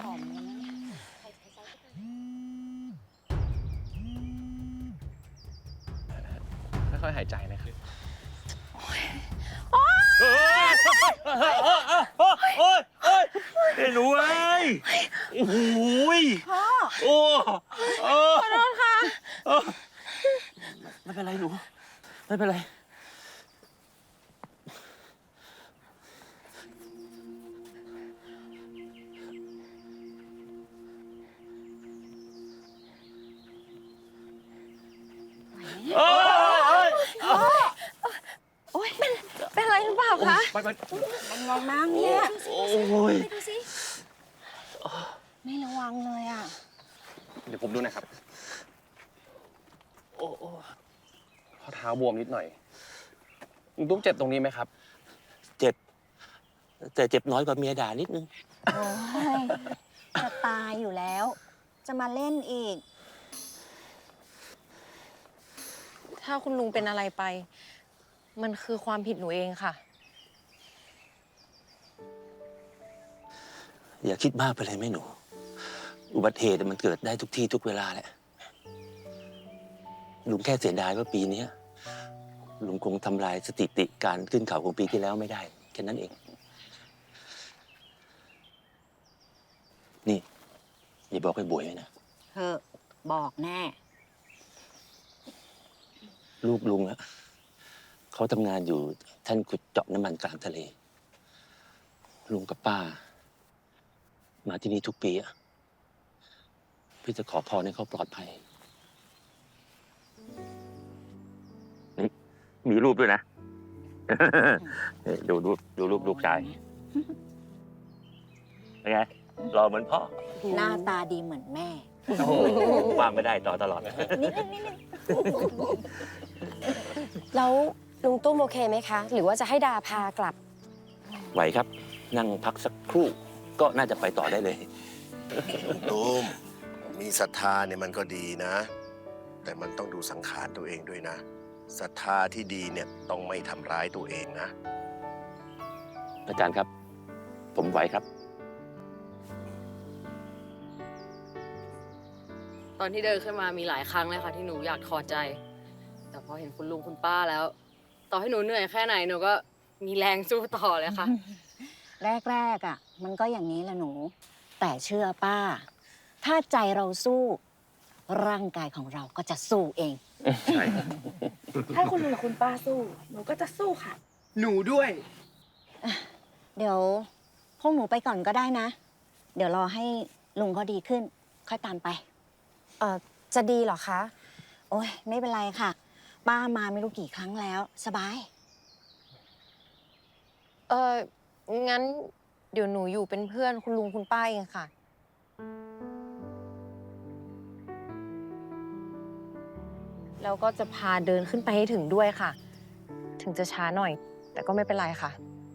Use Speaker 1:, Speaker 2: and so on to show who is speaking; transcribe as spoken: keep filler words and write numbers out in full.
Speaker 1: อมเลยนะ
Speaker 2: ค่อยๆหายใจนะครับ
Speaker 3: โอ้ยโอ้ยโอ้ยโอ้ยไอ้หนูเอ้ยโอ้โหพ่อโอ้โอ้ขอโทษค่ะไม่เป็นไรหนูไม่เป็นไรโอ้ย
Speaker 1: โอ๊ยเป็นเป็นอะไรหรือเปล่าคะ
Speaker 3: ไปไป
Speaker 1: มันระวังเนี่ย
Speaker 3: โอ้ย
Speaker 1: ไปดูสิไม่ระวังเลยอ่ะ
Speaker 2: เดี๋ยวผมดูนะครับ
Speaker 3: โอ้
Speaker 2: ข้อเท้าบวมนิดหน่อยลุงตุ๊กเจ็บตรงนี้ไหมครับ
Speaker 3: เจ็บแต่เจ็บน้อยกว่าเมียด่านิดนึง
Speaker 1: โอ้ยจะตายอยู่แล้วจะมาเล่นอีก
Speaker 4: ถ้าคุณลุงเป็นอะไรไปมันคือความผิดหนูเองค่ะ
Speaker 3: อย่าคิดมากไปเลยแม่หนูอุบัติเหตุมันเกิดได้ทุกที่ทุกเวลาแหละลุงแค่เสียดายว่าปีนี้ลุงคงทำลายสถิติการขึ้นเขาของปีที่แล้วไม่ได้แค่นั้นเองนี่อย่าบอกให้บวยไว้นะ
Speaker 1: เธอบอกแน่
Speaker 3: ลูกลุงอะเขาทำงานอยู่ท่านขุดเจาะน้ำมันกลางทะเลลุงกับป้ามาที่นี่ทุกปีอะพี่จะขอพรให้เขาปลอดภัยนี่มีรูปด้วยนะ ดูรูปดูรูปลูกชายเป็นไงรอเหมือนพ่อ
Speaker 1: หน้าตาดีเหมือนแม่
Speaker 3: วางไม่ได้ต่อตลอด
Speaker 1: นิดนึงนิดนึง
Speaker 4: แล้วลุงตุ้มโอเคไหมคะ หรือว่าจะให้ดาพากลับ
Speaker 3: ไหวครับนั่งพักสักครู่ก็น่าจะไปต่อได้เลย
Speaker 5: ตุ้มมีศรัทธาเนี่ยมันก็ดีนะแต่มันต้องดูสังขารตัวเองด้วยนะศรัทธาที่ดีเนี่ยต้องไม่ทำร้ายตัวเองนะ
Speaker 3: อาจารย์ครับผมไหวครับ
Speaker 6: ตอนที่เดินขึ้นมามีหลายครั้งเลยค่ะที่หนูอยากถอดใจแต่พอเห็นคุณลุงคุณป้าแล้วต่อให้หนูเหนื่อยแค่ไหนหนูก็มีแรงสู้ต่อเลยค่ะ
Speaker 1: แรกๆอ่ะมันก็อย่างนี้แหละหนูแต่เชื่อป้าถ้าใจเราสู้ร่างกายของเราก็จะสู้เอง
Speaker 3: ใช่
Speaker 4: ถ้าคุณลุงกับคุณป้าสู้หนูก็จะสู้ค่ะ
Speaker 7: หนูด้วย
Speaker 1: เดี๋ยวพวกหนูไปก่อนก็ได้นะเดี๋ยวรอให้ลุงเขาดีขึ้นค่อยตามไป
Speaker 4: เอ่อจะดีเหรอคะ
Speaker 1: โอ้ยไม่เป็นไรค่ะป้ามาไม่รู้กี่ครั้งแล้วสบาย
Speaker 4: เอองั้นเดี๋ยวหนูอยู่เป็นเพื่อนคุณลุงคุณป้าเองค่ะแล้วก็จะพาเดินขึ้นไปให้ถึงด้วยค่ะถึงจะช้าหน่อยแต่ก็ไม่เป็นไรค่ะ